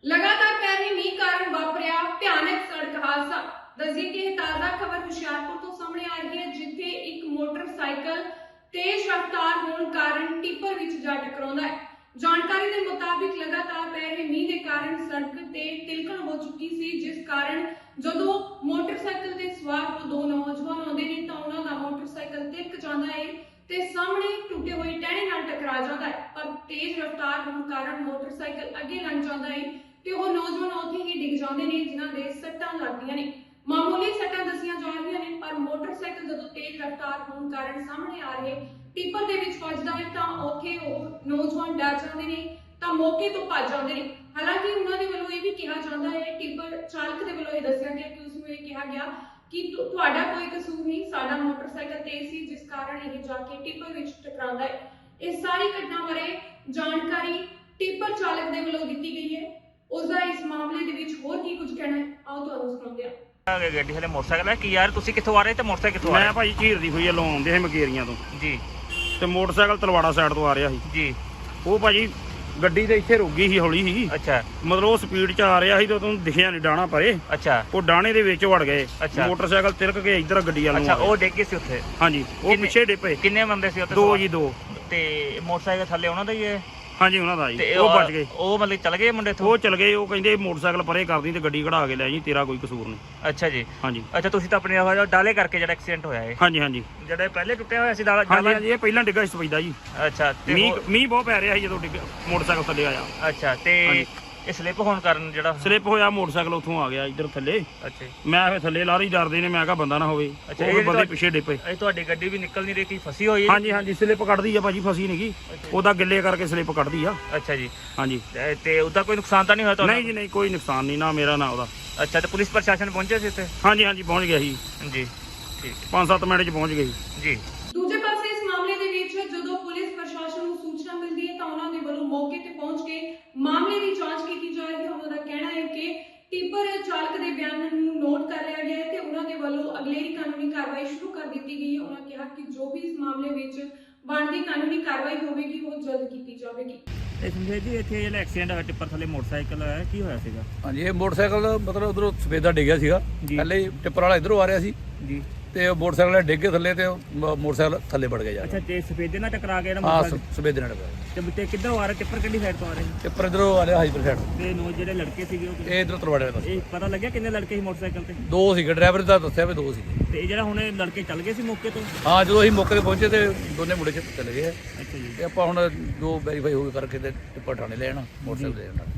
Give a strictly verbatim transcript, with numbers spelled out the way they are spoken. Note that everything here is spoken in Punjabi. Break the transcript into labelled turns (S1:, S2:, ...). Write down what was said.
S1: लगातार पै रहे मीह कारण वापरिया भयानक सड़क हादसा। दसिए कि ताजा खबर हुशियारपुर तो सामने आ रही है, जिथे एक मोटरसाइकिल तेज रफ्तार होने कारण टिप्पर विच जा टकराउंदा है। जानकारी के मुताबिक लगातार पै रहे मीह के कारण सड़क ते तिलकण हो चुकी सी, जिस कारण जदों मोटरसाइकिल ते सवार हो दो नौजवान आउंदे ने तां उन्हां दा मोटरसाइकिल तिलक जांदा है ते सामने टुटे हुए टहने नाल टकरा जाता है। पर तेज रफ्तार होने कारण मोटरसाइकिल अगे लंघ जाता है ते वो नौजवान उत्थे ही डिग जाते हैं, जिन्हां दे सट्टां लगदियां ने। मामूली सट्टां दसियां जा रही ने, पर मोटरसाइकिल जदों तेज रफ्तार होने कारण सामने आ रहे टिप्पर दे विच वजदा है तां उत्थे वो नौजवान डर जाते हैं तां मौके तो भज जाते हैं। हालांकि उन्हां दे वल्लों यह भी कहा जाता है, टिप्पर चालक दे वल्लों यह दस्सिया गया कि उसनूं यह कहा गया कि तुहाडा कोई कसूर नहीं, साडा मोटरसाइकिल तेज सी जिस कारण यह जाके टिप्पर विच टकरांदा है। इस सारी घटना बारे जानकारी टिप्पर चालक दे वल्लों दित्ती गई है। उसदा इस मामले दे विच होर की कुछ कहना है, आओ तुहानूं सुणाउंदे आ।
S2: ਗੱਡੀ ਹਲੇ ਮੋਟਰਸਾਈਕਲ ਹੈ ਕਿ ਯਾਰ ਤੁਸੀਂ ਕਿੱਥੋਂ ਆ ਰਹੇ ਤੇ ਮੋਟਰਸਾਈਕਲ ਕਿੱਥੋਂ ਆ ਰਿਹਾ?
S3: ਮੈਂ ਭਾਈ ਝੀਰ ਦੀ ਹੋਈ ਆ ਲੋਂ ਆਉਂਦੇ ਸੀ ਮਕੇਰੀਆਂ ਤੋਂ
S2: ਜੀ
S3: ਤੇ ਮੋਟਰਸਾਈਕਲ ਤਲਵਾੜਾ ਸਾਈਡ ਤੋਂ ਆ ਰਿਹਾ ਸੀ
S2: ਜੀ।
S3: ਉਹ ਭਾਜੀ ਗੱਡੀ ਤੇ ਇੱਥੇ ਰੁਕ ਗਈ ਸੀ ਹੌਲੀ ਸੀ,
S2: ਅੱਛਾ
S3: ਮਤਲਬ ਉਹ ਸਪੀਡ 'ਚ ਆ ਰਿਹਾ ਸੀ ਤੇ ਉਹਨੂੰ ਦਿਖਿਆ ਨਹੀਂ ਡਾਣਾ ਪਰੇ।
S2: ਅੱਛਾ
S3: ਉਹ ਡਾਣੇ ਦੇ ਵਿੱਚ ਵੜ ਗਏ,
S2: ਅੱਛਾ।
S3: ਮੋਟਰਸਾਈਕਲ ਤਿਲਕ ਕੇ ਇੱਧਰ ਗੱਡੀ ਵੱਲ ਨੂੰ
S2: ਅੱਛਾ
S3: ਆ
S2: ਉਹ
S3: ਗਏ।
S2: ਡਿੱਗ ਗਏ ਸੀ ਉੱਥੇ?
S3: ਹਾਂਜੀ ਉਹ
S2: ਕਿੰਨੇ-
S3: ਪਿੱਛੇ ਡਿੱਪੇ
S2: ਕਿੰਨੇ ਬੰਦੇ ਸੀ ਉੱਥੇ?
S3: ਦੋ ਜੀ ਦੋ।
S2: ਤੇ ਮੋਟਰਸਾਈਕਲ ਥੱਲੇ ਉਹਨਾਂ ਦਾ ਹੀ ਹੈ?
S3: ਹਾਂਜੀ ਉਹਨਾਂ ਦਾ ਜੀ,
S2: ਤੇ
S3: ਉਹ ਬਚ ਗਏ।
S2: ਉਹ ਮਤਲਬ ਚਲ ਗਏ ਮੁੰਡੇ ਇੱਥੋਂ?
S3: ਉਹ ਚਲ ਗਏ, ਉਹ ਕਹਿੰਦੇ ਮੋਟਰਸਾਈਕਲ ਪਰੇ ਕਰਦੀ ਤੇ ਗੱਡੀ ਕਢਾ ਕੇ ਲੈ ਜੀ, ਤੇਰਾ ਕੋਈ ਕਸੂਰ ਨਹੀਂ।
S2: ਅੱਛਾ ਜੀ।
S3: ਹਾਂਜੀ
S2: ਅੱਛਾ ਤੁਸੀਂ ਤਾਂ ਆਪਣੇ ਉਹ ਡਾਲੇ ਕਰਕੇ ਜਿਹੜਾ ਐਕਸੀਡੈਂਟ ਹੋਇਆ ਹੈ?
S3: ਹਾਂਜੀ ਹਾਂਜੀ
S2: ਜਿਹੜਾ ਪਹਿਲੇ ਟੁੱਟਿਆ ਹੋਇਆ ਸੀ ਡਾਲਾ?
S3: ਹਾਂਜੀ ਹਾਂਜੀ ਇਹ ਪਹਿਲਾਂ ਡਿੱਗਾ ਸੀ ਸਪੈਦਾ ਜੀ।
S2: ਅੱਛਾ ਤੇ
S3: ਮੀਂਹ
S2: ਉਹ-
S3: ਮੀਂਹ ਬਹੁਤ ਪੈ ਰਿਹਾ ਸੀ ਜਦੋਂ ਡਿੱਗਾ ਮੋਟਰਸਾਈਕਲ ਥੱਲੇ ਆਇਆ।
S2: ਅੱਛਾ ਤੇ
S3: ਹਾਂਜੀ।
S2: ਇਹ ਸਲਿੱਪ ਹੋਣ ਕਾਰਨ ਜਿਹੜਾ
S3: ਸਲਿੱਪ ਹੋਇਆ ਮੋਟਰਸਾਈਕਲ ਉੱਥੋਂ ਆ ਗਿਆ ਇੱਧਰ ਥੱਲੇ।
S2: ਅੱਛਾ ਜੀ।
S3: ਮੈਂ ਫਿਰ ਥੱਲੇ ਲਾਰੀ ਡਰਦੇ ਨੇ, ਮੈਂ ਕਿਹਾ ਬੰਦਾ ਨਾ ਹੋਵੇ।
S2: ਅੱਛਾ,
S3: ਉਹ
S2: ਇਹ
S3: ਫਿਰ ਬੰਦੇ
S2: ਤੁਹਾਡੀ-
S3: ਪਿੱਛੇ ਡਿੱਪੇ।
S2: ਇਹ ਤੁਹਾਡੀ ਗੱਡੀ ਵੀ ਨਿਕਲ ਨਹੀਂ ਰਹੀ, ਕੀ ਫਸੀ ਹੋਈ ਹੈ?
S3: ਹਾਂਜੀ ਹਾਂਜੀ ਸਲਿੱਪ ਕੱਢਦੀ ਆ ਭਾਜੀ, ਫਸੀ ਨਹੀਂ ਗਈ, ਉਹਦਾ ਗਿੱਲੇ ਕਰਕੇ ਸਲਿੱਪ ਕੱਢਦੀ ਆ।
S2: ਅੱਛਾ ਜੀ।
S3: ਹਾਂਜੀ
S2: ਤੇ- ਤੇ ਉਹਦਾ ਕੋਈ ਨੁਕਸਾਨ ਤਾਂ ਨਹੀਂ ਹੋਇਆ ਤੁਹਾਨੂੰ?
S3: ਨਹੀਂ ਜੀ ਨਹੀਂ, ਕੋਈ ਨੁਕਸਾਨ ਨਹੀਂ, ਨਾ ਮੇਰਾ ਨਾ ਉਹਦਾ।
S2: ਅੱਛਾ ਤੇ ਪੁਲਿਸ ਪ੍ਰਸ਼ਾਸਨ ਪਹੁੰਚਿਆ ਸੀ ਇੱਥੇ?
S3: ਹਾਂਜੀ ਹਾਂਜੀ ਪਹੁੰਚ ਗਿਆ ਸੀ,
S2: ਜੀ ਠੀਕ ਹੈ
S3: ਪੰਜ ਸੱਤ ਮਿੰਟ 'ਚ ਪਹੁੰਚ ਗਏ
S2: ਜੀ।
S1: ਦੂਜੇ ਪਾਸੇ ਇਸ ਮਾਮਲੇ ਦੇ ਵਿੱਚ ਜਦੋਂ ਪੁਲਿਸ ਪ੍ਰਸ਼ਾਸਨ ਨੂੰ ਸੂਚਨਾ ਮਿਲਦੀ ਹੈ ਤਾਂ ਉਹਨਾਂ ਦੇ ਵੱਲੋਂ ਮੌਕੇ ਤੇ ਪਹੁੰਚ ਕੇ ਮਾਮਲੇ ਦੀ ਜਾਂਚ ਕੀਤੀ ਜਾ ਰਹੀ ਹੈ। ਉਹਨਾਂ ਦਾ ਕਹਿਣਾ ਹੈ ਕਿ ਟਿੱਪਰ ਚਾਲਕ ਦੇ ਬਿਆਨ ਨੂੰ ਨੋਟ ਕਰ ਲਿਆ ਗਿਆ ਹੈ ਤੇ ਉਹਨਾਂ ਦੇ ਵੱਲੋਂ ਅਗਲੇਰੀ ਕਾਨੂੰਨੀ ਕਾਰਵਾਈ ਸ਼ੁਰੂ ਕਰ ਦਿੱਤੀ ਗਈ ਹੈ। ਉਹਨਾਂ ਕਿਹਾ ਕਿ ਜੋ ਵੀ ਇਸ ਮਾਮਲੇ ਵਿੱਚ ਬਣਦੀ ਕਾਨੂੰਨੀ ਕਾਰਵਾਈ ਹੋਵੇਗੀ ਉਹ ਜਲਦ ਕੀਤੀ ਜਾਵੇਗੀ।
S2: ਇਹ ਸੰਜੇ ਜੀ ਇੱਥੇ ਜਿਹੜਾ ਐਕਸੀਡੈਂਟ ਹੋਇਆ ਟਿੱਪਰ ਥੱਲੇ ਮੋਟਰਸਾਈਕਲ ਹੈ, ਕੀ ਹੋਇਆ ਸੀਗਾ?
S4: ਹਾਂਜੀ ਇਹ ਮੋਟਰਸਾਈਕਲ ਮਤਲਬ ਉਧਰੋਂ ਸਫੇਦਾ ਡਿੱਗਿਆ ਸੀਗਾ,
S2: ਜੀ।
S4: ਪਹਿਲੇ ਹੀ ਟਿੱਪਰ ਵਾਲਾ ਇਧਰੋਂ ਆ ਰਿਹਾ ਸੀ
S2: ਜੀ।
S4: ਤੇ ਉਹ ਮੋਟਰਸਾਈਕਲ ਵਾਲਾ ਡਿੱਗ ਕੇ ਥੱਲੇ ਤੇ ਉਹ ਮ- ਮੋਟਰਸਾਈਕਲ ਥੱਲੇ ਵੜ ਗਿਆ ਜਾ
S2: ਅੱਛਾ ਤੇ ਸਫੇਦੇ ਨਾਲ ਟਕਰਾ ਗਿਆ ਨਾ
S4: ਹਾਂ
S2: ਮੋਟਰਸਾਈਕਲ?
S4: ਸਫੇਦੇ ਨਾਲ ਡਿੱਗਾ।
S2: ਤੇ ਤੇ ਕਿੱਧਰੋਂ ਆ ਰਿਹਾ ਟਿੱਪਰ, ਕਿਹੜੀ ਸਾਈਡ ਤੋਂ ਆ ਰਿਹਾ ਸੀ?
S4: ਟਿੱਪਰ ਇਧਰੋਂ ਆ ਰਿਹਾ ਹਾਈਪਰ ਸਾਈਡ,
S2: ਤੇ ਨੋ ਜਿਹੜੇ ਲੜਕੇ ਸੀਗੇ ਉਹ
S4: ਇਹ ਇਧਰੋਂ ਤਲਵਾੜੇ ਦਾ।
S2: ਇਹ ਪਤਾ ਲੱਗਿਆ ਕਿੰਨੇ ਲੜਕੇ ਸੀ ਮੋਟਰਸਾਈਕਲ ਤੇ?
S4: ਦੋ ਸੀਗੇ, ਡਰਾਈਵਰ ਦਾ ਦੱਸਿਆ ਵੀ ਦੋ ਸੀਗੇ।
S2: ਤੇ ਇਹ ਜਿਹੜਾ ਹੁਣ ਇਹ ਲੜਕੇ ਚੱਲ ਗਏ ਸੀ ਮੌਕੇ ਤੋਂ?
S4: ਹਾਂ ਜਦੋਂ ਅਸੀਂ ਮੌਕੇ ਤੇ ਪਹੁੰਚੇ ਤੇ ਦੋਨੇ ਮੁੰਡੇ ਚ ਚਲੇ ਗਏ ਆ।
S2: ਅੱਛਾ ਜੀ।
S4: ਤੇ ਆਪਾਂ ਹੁਣ ਜੋ ਵੈਰੀਫਾਈ ਹੋ ਗਏ ਕਰਕੇ ਤੇ ਟਿੱਪਰ ਠਾਣੇ ਲੈ ਆਣਾ ਮੋਟਰਸਾਈਕਲ ਲੈ ਆਣਾ।